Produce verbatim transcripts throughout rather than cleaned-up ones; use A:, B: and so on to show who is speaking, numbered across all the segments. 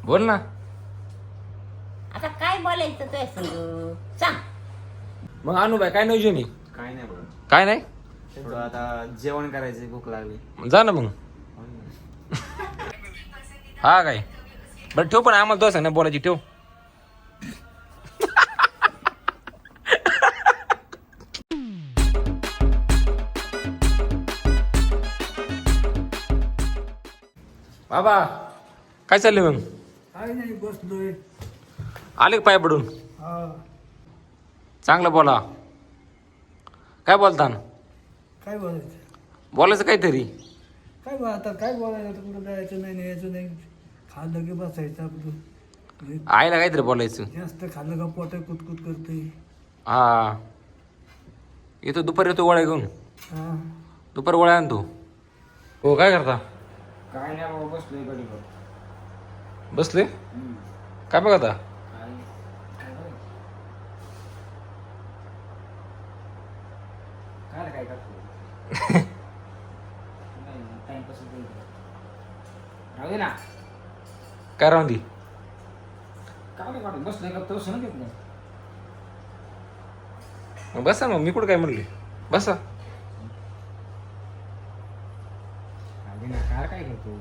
A: बोल ना.
B: आता काय बोलायचं तुझ्या संग सांग.
A: मग अनुबाई काय नियोजन आहे?
C: काय नाही बघ.
A: काय नाही.
C: थोडं आता जेवण करायचं, भूक लागली.
A: जा ना मग. हा काय बरं ठेव, पण आम्हाला दोस नाही बोलायची ठेव. बाबा काय चाललंय मग?
D: काय नाही बसलोय.
A: आले का पाय पडून?
D: हा
A: चांगलं बोला. काय बोलता ना?
D: काय बोलायचं
A: बोलायचं काहीतरी.
D: काय बोला आता काय बोलायचं आता कुठं जायचं नाही न्यायचं नाही. खाल्लं की बसायचं आपलं.
A: आईला काहीतरी बोलायचं.
D: जास्त खाल्लं का पोट कुतकुत करते.
A: हा येतो दुपारी येतो गोळ्या घेऊन.
D: हा
A: दुपार गोळ्या आणतो. हो काय करता?
C: काय नाही बाबा, बसलोय गडी बघ.
A: बसले काय बघा?
C: काय काय करतो टाइमपास राहू ना.
A: काय राहून दी
C: काय नाही काढून बसलोय का तो सण घेत नाही.
A: मग बसा मग. मी कुठं काय म्हणले? बसा.
C: काय काय करतो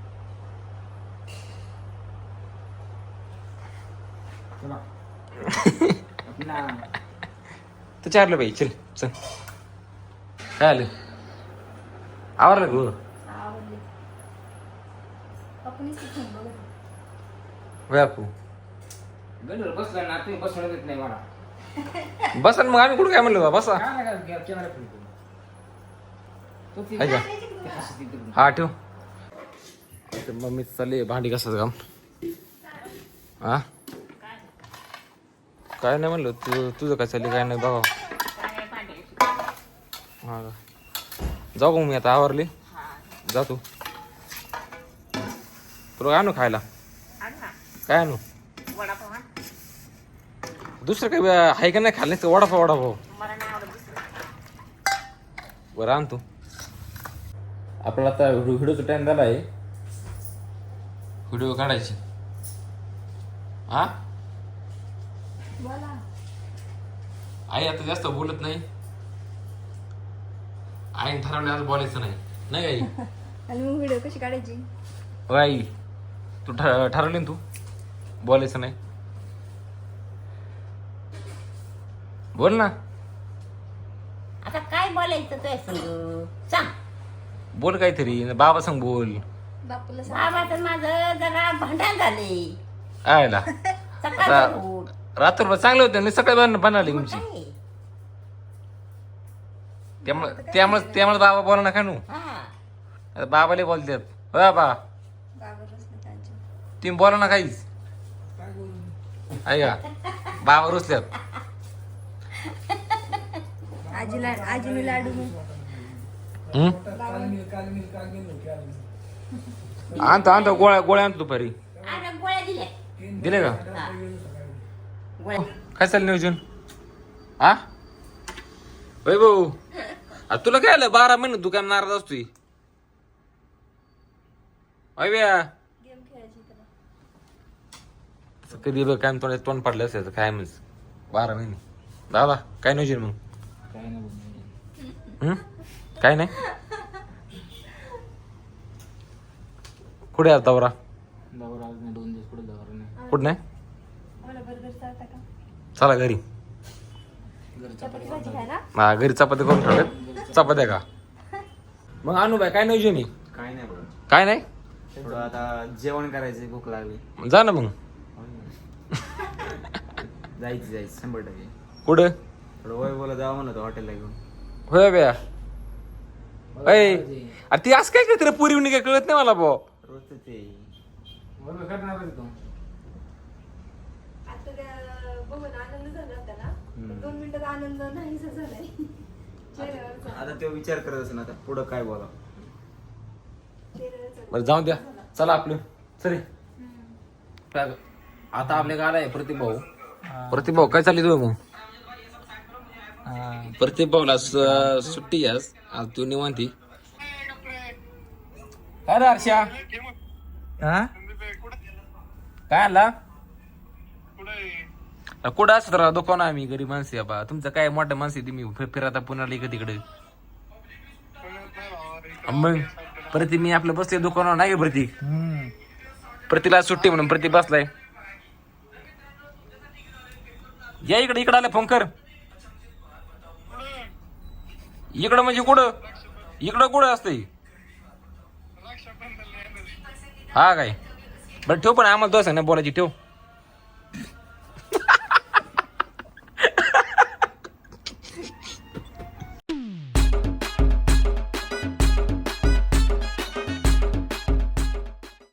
C: चला
A: तर चारलं बाई. चल चल. काय आलं? आवरलं गो? बापू
C: गडीवर बसला ना, तुम्ही बसवलं देत नाही मला.
A: बसा ना मग. आम्ही कुठं काय म्हणलो बा? बसा.
C: काय नाही काय कॅमेरा फिरतो तो ती-
A: आहे का?
C: ते हसत इकडून.
A: हा ठेव. मम्मी चालली भांडी कसाच काम. हा काय नाही म्हणलं. तू तुझं काय चालली काय नाही बघा. हा का? जाऊ का मी आता? आवरली जा तू. तुला आणू खायला? काय आणू? दुसरं काही आहे का नाही खाल्लं? वडापाव वडापाव बरं आण तू. आपल्याला आता व्हिडिओचा टाइम झाला आहे. व्हिडिओ काढायची. हा आई आता जास्त बोलत नाही. आईने ठरवलं आज बोलायचं नाही. नाही आई?
E: आणि मग व्हिडिओ कशी काढायची?
A: हो आई तू ठर ठरवली ना तू बोलायचं नाही. बोल ना.
B: आता काय बोलायचं तुझ्या संग सांग.
A: बोल काहीतरी. बाबा सांग बोल.
E: बापूला सांग.
B: बाबाचं माझं जरा भांडण झाले.
A: आयला
B: सकाळ
A: रात्रभर चांगलं होतं मी सकाळी बन बनवली तुमची. त्यामुळे त्यामुळे त्यामुळे बाबा बोला ना खानू. आता बाबाला बोलतात. हो बाबा
E: बाबालाच नाही त्यांच्या.
A: तुम्ही बोला ना काहीच.
D: काय बोलू
A: ऐका बाबा रुसल्यात.
E: आजीला आजीने लाडू मग.
A: हम्म?
D: काल मी काल मी काल गेलो काल
A: आणतो आणतो गोळ्या गोळ्या आणतो दुपारी.
B: आता गोळ्या दिल्या.
A: दिले का?
B: गोळ्या
A: काय चाललं नियोजन? हा होय भाऊ. आ, तुला काय आलं? बारा महिने तू काय नाराज असतोय? अय ब्या
E: गेम खेळायची त्याला.
A: कधी बघ काय तोंड तोंड पडलं असेल काय म्हणजे बारा महिने. दादा काय नियोजन मग?
C: काय नाही बोलणार.
A: हम्म? काय नाही. कुठे आहे दौरा?
C: दौरा आज नाही, दोन दिवस पुढे दौरा नाही.
A: कुठं नाही?
E: मला बर्गर चालता का?
A: चला घरी.
E: चपाती भाजी खायला?
A: हा घरी चपात्या करून ठेवल्यात. चपात्या का? मग आणू बाय काय नियोजन आहे?
C: काय नाही बघ.
A: काय नाही.
C: थोडं आता जेवण करायचं, भूक लागली.
A: जा ना मग.
C: जायचं जायचं शंभर टक्के.
A: कुठं?
C: थोडं वय बोला जावं म्हणत हॉटेलला घेऊन.
A: होय ब्या. अय अरे ती असं काय करते रे पुरी काय कळत नाही मला भाऊ.
C: रोजचं ते बरोबर करणार तू.
E: आता त्या बघून आनंद झाला होता ना. पण दोन मिनिटात आनंद नाहीसा झालाय चेहऱ्यावरचा.
C: आता तो विचार करत असेल आता पुढं काय बोला.
E: चेहऱ्यावरचा.
A: बरं जाऊ द्या. चला आपलं सरे. आता आपल्या गाला आहे प्रतिभाऊ. प्रतिभाऊ काय चालली तुझं मग? प्रतिभाऊला सु- सुट्टी आज आज तू निवांती. काय रे हर्षा?
D: हा
A: काय आला कुठं असत राहा दुकान आम्ही गरीब माणसे आहे बा तुमचं काय मोठ्या माणसे तुम्ही फि- फिरता पुण्याला इकडे तिकडे मग प्रति मी आपलं बसले दुकानावर नाही का प्रतीक प्रतीला सुट्टी म्हणून प्रती बसलाय या इकडे इकडे आला फोन कर इकडं म्हणजे कुठं इकडं कुठं असतंय हा काय बरं ठेव पण आम्हाला दोन सांग ना बोलायची ठेव